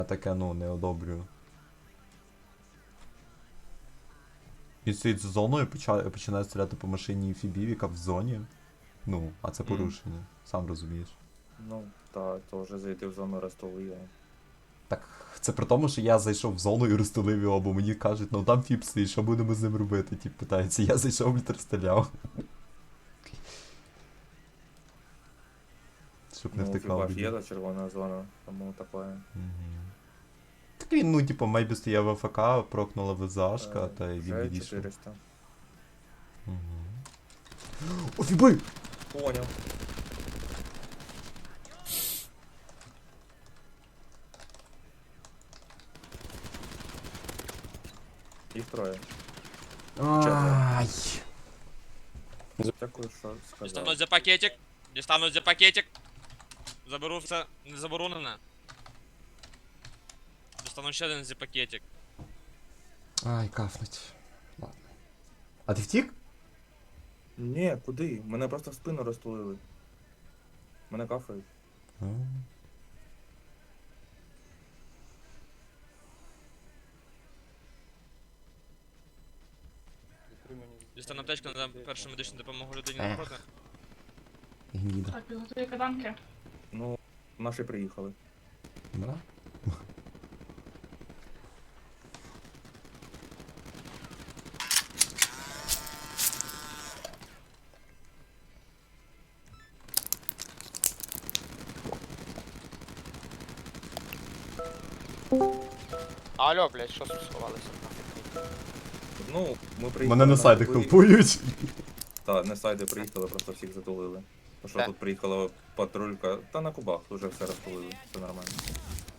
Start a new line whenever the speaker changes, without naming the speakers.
Я таке, ну, не одобрюю. Він стоїть з зоною і починає стріляти по машині фібів, яка в зоні. Ну, а це порушення, сам розумієш.
Ну, так, то вже зайти в зону розтулує.
Так, це при тому, що я зайшов в зону і розстелив його, бо мені кажуть, ну там фіб стоїть, що будемо з ним робити? Тіп питається, я зайшов і розстріляв. Щоб не
Ну,
втекав.
хіба ж є та червона зона, тому таке.
Так він, ну, типу, мейбі стояв в АФК, прокнула ВЗАшка, та й він
Вже
відійшов.
400.
О, фіби!
Поняв. Їх троє.
Ай!
Дякую, що сказав.
Дістануть за пакетик. Дістануть за пакетик. Заберу все не заборонене. Достану ще один за пакетик.
Ай, кафнуть. Ладно. А ти втік?
Ні, куди? Мене просто в спину розтулили. Мене кафають.
Дістану аптечку на першу медичну допомогу людині
Ех.
напроти.
Гніда.
Так, підготуй каданки.
Ну, наші приїхали.
Да?
Алло, блядь, що сховалися?
Ну, ми приїхали.
Мене на сайди
групі.
хелпують.
Та, не сайди приїхали, просто всіх затулили. Тому що
Де?
тут приїхала патрулька, та на кубах вже все розтулили, все нормально.